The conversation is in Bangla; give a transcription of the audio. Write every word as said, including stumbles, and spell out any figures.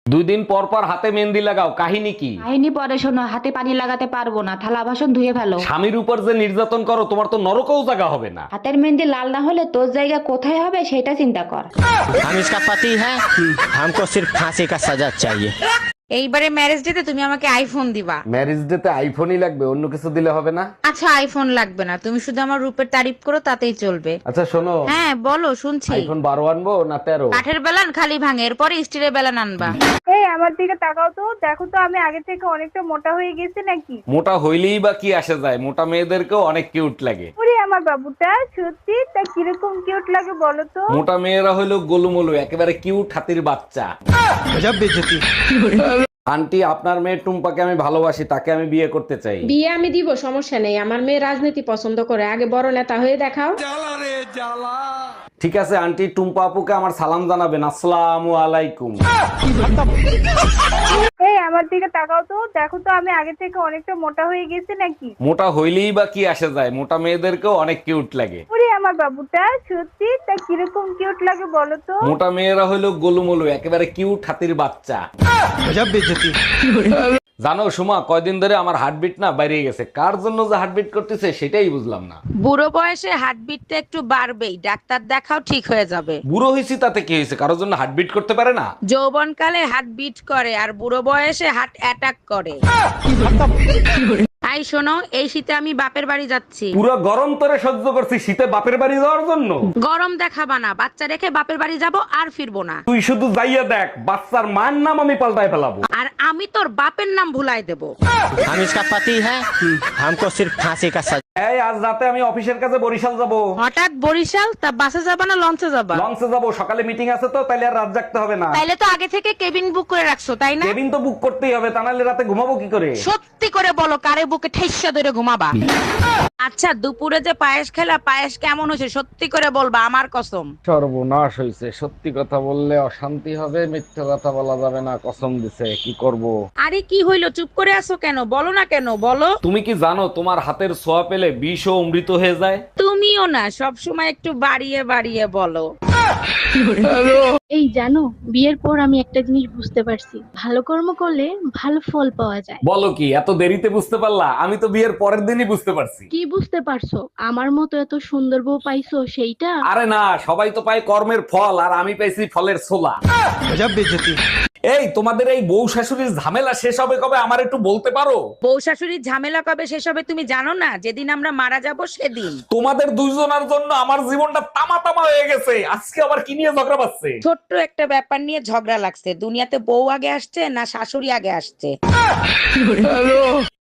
দুই দিন পর পর হাতে মেহেন্দি লাগাও, কাহিনী কি? কাহিনী পরে শোনো, হাতে পানি লাগাতে পারবো না, থালা বাসন ধুয়ে ফেলো। স্বামীর উপর যে নির্যাতন করো, তোমার তো নরকেও জায়গা হবে না। হাতের মেহেন্দি লাল না হলে তোর জায়গা কোথায় হবে সেটা চিন্তা কর। हम इसका पति है, हमको सिर्फ फांसी का सजा चाहिए। এইবারে ম্যারেজ ডেতে তুমি আমাকে আইফোন দিবা। ম্যারেজ ডে তে আইফোনই লাগবে, অন্য কিছু দিলে হবে না? আচ্ছা আইফোন লাগবে না, তুমি শুধু আমার রূপের তারিফ করো তাতেই চলবে। আচ্ছা শোনো, হ্যাঁ বলো শুনছি। আইফোন বারো আনবো না তেরো? কাঠের বেলান খালি ভাঙে, এরপরে স্টিলের বেলান আনবা। এই আমার দিকে তাকাও তো, দেখো তো আমি আগে থেকে অনেকটা মোটা হয়ে গেছি নাকি? মোটা হইলেই বা কি আসে যায়, মোটা মেয়েদেরকেও অনেক কিউট লাগে। ওরে আমার বাবুটা সত্যি তা কিরকম কিউট লাগে বলো তো? মোটা মেয়েরা হইলো গোলুমলু, একেবারে কিউট হাতির বাচ্চা। আন্টি, আপনার মেয়ে টুম্পাকে আমি ভালোবাসি, তাকে আমি বিয়ে করতে চাই। বিয়ে আমি দিব, সমস্যা নেই। আমার মেয়ে রাজনীতি পছন্দ করে, আগে বড় নেতা হয়ে দেখাও। ঠিক আছে আন্টি, টুম্পা আপুকে আমার সালাম জানাবেন। আসসালামু আলাইকুম। এই আমার দিকে তাকাও তো, দেখো তো আমি আগে থেকে অনেকটা মোটা হয়ে গেছি নাকি? মোটা হইলেই বা কি আসে যায়, মোটা মেয়েদেরকেও অনেক কিউট লাগে। ওরে আমার বাবুটা সত্যি তা কিরকম কিউট লাগে বলো তো? মোটা মেয়েরা হইলো গোলুমলু, একেবারে কিউট হাতির বাচ্চা। জানো সুমা, কয়দিন ধরে আমার হার্টবিট না বাইরে গেছে। কার জন্য যে হার্টবিট করতেছে সেটাই বুঝলাম না। বুড়ো বয়সে হার্টবিটটা একটু বাড়বেই, ডাক্তার দেখাও ঠিক হয়ে যাবে। বুড়ো হয়েছি তাতে কি হয়েছে, কারোর জন্য হার্টবিট করতে পারে না? যৌবনকালে হার্ট বিট করে আর বুড়ো বয়সে হার্ট অ্যাটাক করে। আই শোনো, এই শীতে আমি বাপের বাড়ি যাচ্ছি। পুরো গরম তোরে সহ্য করছি, শীতে বাপের বাড়ি যাওয়ার জন্য? গরম দেখাবা না, বাচ্চা রেখে বাপের বাড়ি যাব আর ফিরবো না। তুই শুধু যাইয়া দেখ, বাচ্চার মার নাম আমি পাল্টায় ফেলাবো। আর আমি তোর বাপের নাম ভুলাই দেব। हम इसका पति है, हमको सिर्फ फांसी का सजा। এই আজ রাতে আমি অফিসের কাছে বরিশাল যাব। হঠাৎ বরিশাল? তা বাসে যাবা না লঞ্চে যাবা? লঞ্চে যাব, সকালে মিটিং আছে তো, তাইলে আর রাত জাগতে হবে না। তাইলে তো আগে থেকে কেবিন বুক করে রাখছো তাই না? কেবিন তো বুক করতেই হবে, তা নাহলে রাতে ঘুমাবো কি করে? সত্যি করে বলো, কারে বুকে ঠেসা ধরে ঘুমাবা? আচ্ছা দুপুরে যে পায়েস খেলা, পায়েস কেমন হয়েছে সত্যি করে বলবা, আমার কসম। সর্বনাশ হয়েছে, সত্যি কথা বললে অশান্তি হবে, মিথ্যা কথা বলা যাবে না, কসম দিছে। কি করব? আরে কি হইলো, চুপ করে আছো কেন? বলো না কেন, বলো। তুমি কি জানো তোমার হাতের ছোঁয়া পেলে বিষ ও অমৃত হয়ে যায়? তুমিও না সব সময় একটু বাড়িয়ে বাড়িয়ে বলো। এই জানো, বিয়ের পর আমি একটা জিনিস বুঝতে পারছি, ভালো কর্ম করলে ভালো ফল পাওয়া যায়। বলো কি, এত দেরিতে বুঝতে পারলা? আমি তো বিয়ের পরের দিনই বুঝতে পারছি। কি বুঝতে পারছো? আমার মতো এত সুন্দর বউ পাইছো সেইটা? আরে না, সবাই তো পায় কর্মের ফল, আর আমি পাইছি ফলের ছোলা। এই তোমাদের এই বউ শাশুড়ির ঝামেলা শেষ হবে কবে, আমার একটু বলতে পারো? বউ শাশুড়ির ঝামেলা কবে শেষ হবে তুমি জানো না? যেদিন আমরা মারা যাব সেদিন। তোমাদের দুইজনের জন্য আমার জীবনটা তামা তামা হয়ে গেছে, আজকে আবার কি নিয়ে ঝগড়া পাচ্ছে? ছোট্ট একটা ব্যাপার নিয়ে ঝগড়া লাগছে। দুনিয়াতে বউ আগে আসছে না শাশুড়ি আগে আসছে?